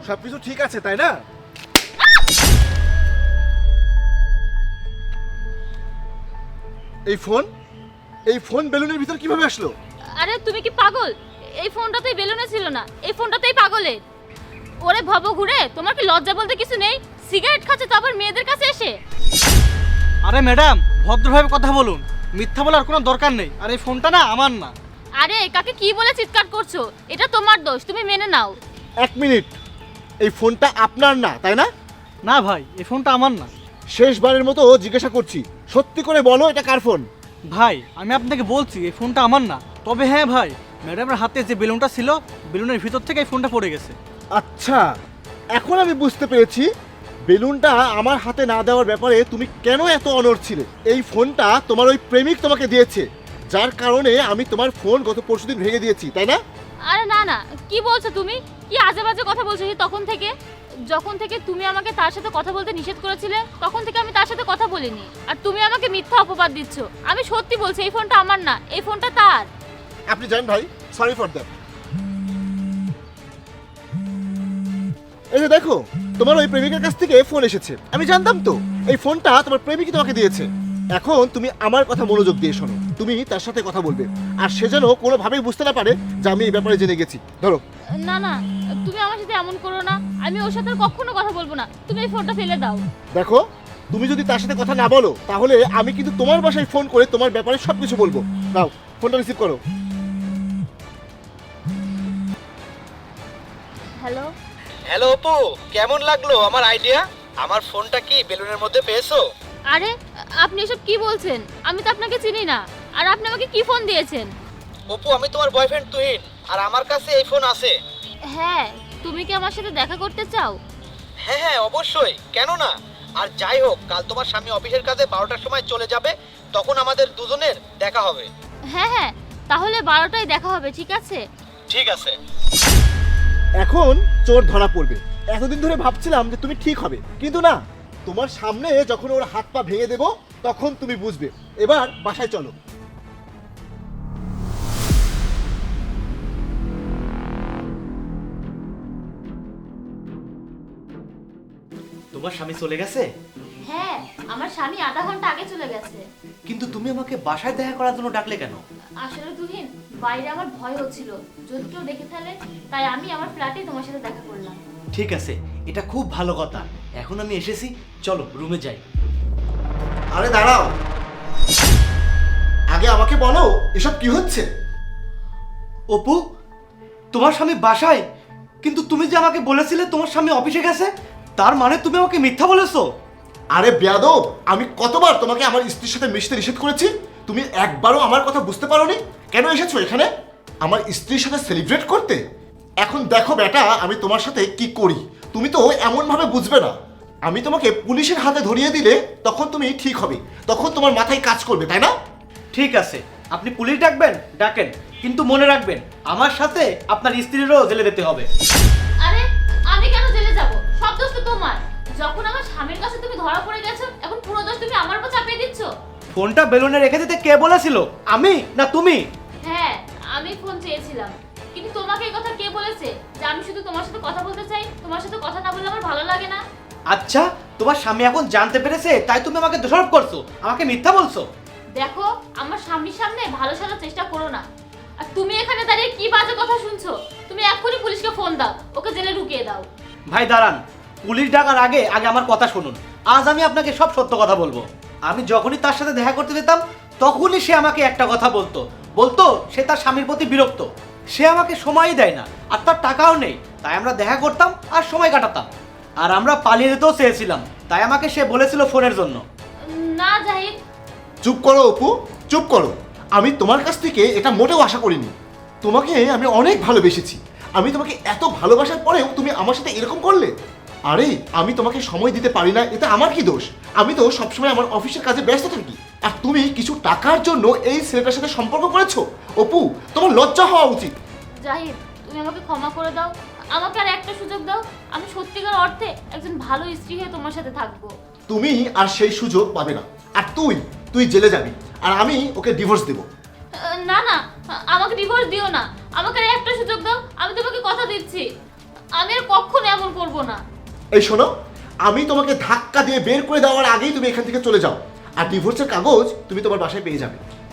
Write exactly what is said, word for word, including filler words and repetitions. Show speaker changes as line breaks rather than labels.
সবকিছু ঠিক আছে তাই না? এই ফোন এই ফোন বেলুনের ভিতর কিভাবে আসলো?
আরে তুমি কি পাগল? এই ফোনটাতেই বেলুনে ছিল না, এই ফোনটাতেই পাগলের। ওরে ভব ঘুরে, তোমার কি লজ্জা বলতে কিছু নেই? সিগারেট খাচ্ছে তারপর মেয়েদের কাছে এসে।
আরে ম্যাডাম, ভদ্রভাবে কথা বলুন, মিথ্যা বলার কোনো দরকার নেই। আর এই ফোনটা না আমার না।
আরে কাকে কি বলে চিৎকার করছো? এটা তোমার দোষ, তুমি মেনে নাও।
এক মিনিট, এই ফোনটা আপনার না তাই না?
না ভাই, এই ফোনটা আমার না।
শেষবারের মতো জিজ্ঞাসা করছি, সত্যি করে বলো এটা কার ফোন?
ভাই আমি আপনাকে বলছি এই ফোনটা আমার না। তবে হ্যাঁ ভাই, ম্যাডামের হাতে যে বেলুনটা ছিল, বেলুনের ভিতর থেকে এই ফোনটা পড়ে গেছে।
আচ্ছা, এখন আমি বুঝতে পেরেছি বেলুনটা আমার হাতে না দেওয়ার ব্যাপারে তুমি কেন এত অনড় ছিলে। এই ফোনটা তোমার ওই প্রেমিক তোমাকে দিয়েছে, যার কারণে আমি তোমার ফোন গত পরশুদিন ভেঙে দিয়েছি তাই না?
আরে না না, কি বলছো তুমি? কি আজে বাজে কথা বলছো সেই তখন থেকে? যখন থেকে তুমি আমাকে তার সাথে কথা বলতে নিষেধ করেছিলে, তখন থেকে আমি তার সাথে কথা বলিনি। আর তুমি আমাকে মিথ্যা অপবাদ দিচ্ছ। আমি সত্যি বলছি, এই ফোনটা আমার না, এই ফোনটা তার।
আপনি জানেন ভাই, সরি ফর দ্যাট। এই যে দেখো, তোমার ওই প্রেমিকের কাছ থেকে ফোন এসেছে। আমি জানতাম তো এই ফোনটা তোমার প্রেমিকই তোমাকে দিয়েছে। এখন তুমি আমার কথা মনোযোগ দিয়ে শোনো। তুমি তার সাথে কথা বলবে, আর সে যেন কোনোভাবেই বুঝতে না পারে যে আমি এই ব্যাপারে জেনে গেছি। ধরো।
না না, তুমি আমার সাথে এমন করো না। আমি ওর সাথে আর কখনো কথা বলবো না। তুমি এই ফোনটা ফেলে দাও।
দেখো, তুমি যদি তার সাথে কথা না বলো, তাহলে আমি কিন্তু তোমার বাসায় ফোন করে তোমার ব্যাপারে সবকিছু বলবো। নাও, ফোনটা রিসিভ করো।
হ্যালো।
হ্যালো অপু, কেমন লাগলো আমার আইডিয়া? আমার ফোনটা কি বেলুনের মধ্যে পেয়েছো?
আরে আপনি এসব কি বলছেন? আমি তো আপনাকে চিনি না। আর আপনি আমাকে কি ফোন দিয়েছেন?
অপু, আমি তোমার বয়ফ্রেন্ড তুহিন, আর আমার কাছে এই ফোন আছে।
হ্যাঁ, তুমি কি আমার সাথে দেখা করতে চাও?
হ্যাঁ হ্যাঁ অবশ্যই, কেন না। আর যাই হোক, কাল তোমার স্বামী অফিসের কাজে বারোটার সময় চলে যাবে, তখন আমাদের দুজনের দেখা হবে।
হ্যাঁ হ্যাঁ, তাহলে বারোটায় দেখা হবে, ঠিক আছে?
ঠিক আছে।
এখন চোর ধরা পড়বে। এতদিন ধরে ভাবছিলাম যে তুমি ঠিক হবে, কিন্তু না। তোমার সামনে যখন ওর হাত পা ভেঙে দেব, তখন তুমি বুঝবে। এবার বাসায় চলো।
তোমার স্বামী চলে গেছে?
হ্যাঁ, আমার স্বামী আধা ঘন্টা আগে চলে গেছে।
কিন্তু তুমি আমাকে বাসায় দেখা করার জন্য ডাকলে কেন?
আসলে তুহিন, বাইরে আমার ভয় হচ্ছিল যদি কেউ দেখে ফেলে, তাই আমি আমার ফ্ল্যাটে তোমার সাথে দেখা করলাম।
ঠিক আছে, এটা খুব ভালো কথা। এখন আমি এসেছি, চলো রুমে যাই।
আরে দাঁড়াও, আগে আমাকে বলো এসব কি হচ্ছে।
অপু, তোমার স্বামী বাসায়, কিন্তু তুমি যে আমাকে বলেছিলে তোমার স্বামী অফিসে গেছে, তার মানে তুমি আমাকে মিথ্যা বলেছো?
আরে বেয়াদব, আমি কতবার তোমাকে আমার স্ত্রীর সাথে মিশতে নিষেধ করেছি, তুমি একবারও আমার কথা বুঝতে পারোনি? কেন এসেছো এখানে আমার স্ত্রীর সাথে সেলিব্রেট করতে? এখন দেখো বেটা, আমি তোমার সাথে কি করি তুমি তো এমন ভাবে বুঝবে না। আমি তোমাকে পুলিশের হাতে ধরিয়ে দিলে তখন তুমি ঠিক হবে, তখন তোমার মাথায় কাজ করবে, তাই না?
ঠিক আছে, আপনি পুলিশ ডাকবেন ডাকেন, কিন্তু মনে রাখবেন আমার সাথে আপনার স্ত্রীরও জেলে যেতে হবে।
আরে আমি কেন জেলে যাব? সব দোষ তো তোমার। যখন আমার স্বামীর কাছে তুমি ধরা পড়ে গেছো, এখন পুরো দোষ তুমি আমার উপর চাপিয়ে দিচ্ছ।
ফোনটা বেলুনে রেখে দিতে কে বলেছিল, আমি না তুমি?
হ্যাঁ, আমি ফোন চেয়েছিলাম, কিন্তু তোমাকে এই কথা কে বলেছে যে আমি শুধু তোমার সাথে কথা বলতে চাই? তোমার সাথে কথা না বললে আমার ভালো লাগে না।
আচ্ছা, তোমার স্বামী এখন জানতে পেরেছে তাই তুমি আমাকে দোষারোপ করছো, আমাকে মিথ্যা বলছো।
দেখো, আমার স্বামীর সামনে ভালো সাজার চেষ্টা করো না। আর তুমি এখানে দাঁড়িয়ে কি বাজে কথা শুনছো? তুমি এক্ষুনি পুলিশকে ফোন দাও, ওকে জেলে ঢুকিয়ে দাও।
ভাই দাঁড়ান, পুলিশ ডাকার আগে আগে আমার কথা শুনুন। আজ আমি আপনাকে সব সত্য কথা বলবো। আমি যখনই তার সাথে দেখা করতে যেতাম, তখনই সে আমাকে একটা কথা বলতো বলতো সে তার স্বামীর প্রতি বিরক্ত। সে আমাকে সময়ই দেয় না, আর তার টাকাও নেই। তাই আমরা দেখা করতাম আর সময় কাটাতাম, আর আমরা পালিয়ে যেতেও চেয়েছিলাম। তাই আমাকে সে বলেছিল ফোনের জন্য।
না জাহিদ।
চুপ করো অপু, চুপ করো। আমি তোমার কাছ থেকে এটা মোটেও আশা করিনি। তোমাকে আমি অনেক ভালোবেসেছি। আমি তোমাকে এত ভালোবাসার পরেও তুমি আমার সাথে এরকম করলে। আরে আমি তোমাকে সময় দিতে পারি না, এটা আমার কি দোষ? আমি তো সবসময় আমার অফিসের কাজে ব্যস্ত থাকি, আর তুমি কিছু টাকার জন্য এই ছেলেটার সাথে সম্পর্ক করেছো। অপু, তোমার লজ্জা হওয়া উচিত।
জাহিদ, তুমি আমাকে ক্ষমা করে দাও। আমাকে আর একটা সুযোগ দাও। আমি সত্যিকার অর্থে একজন ভালো স্ত্রী হয়ে তোমার সাথে থাকবো।
তুমি আর সেই সুযোগ পাবে না। আর তুই তুই জেলে যাবি, আর আমি ওকে ডিভোর্স দেবো।
আহ, না না, আমাকে ডিভোর্স দিও না। আমাকে আর একটা সুযোগ দাও। আমি তোমাকে কথা দিচ্ছি, আমি আর কখনো এমন করব বলবো না।
এই শোনো, আমি তোমাকে ধাক্কা দিয়ে বের করে দেওয়ার আগেই তুমি এখান থেকে চলে যাও, আর ডিভোর্সের কাগজ তুমি তোমার বাসায় পেয়ে যাবে।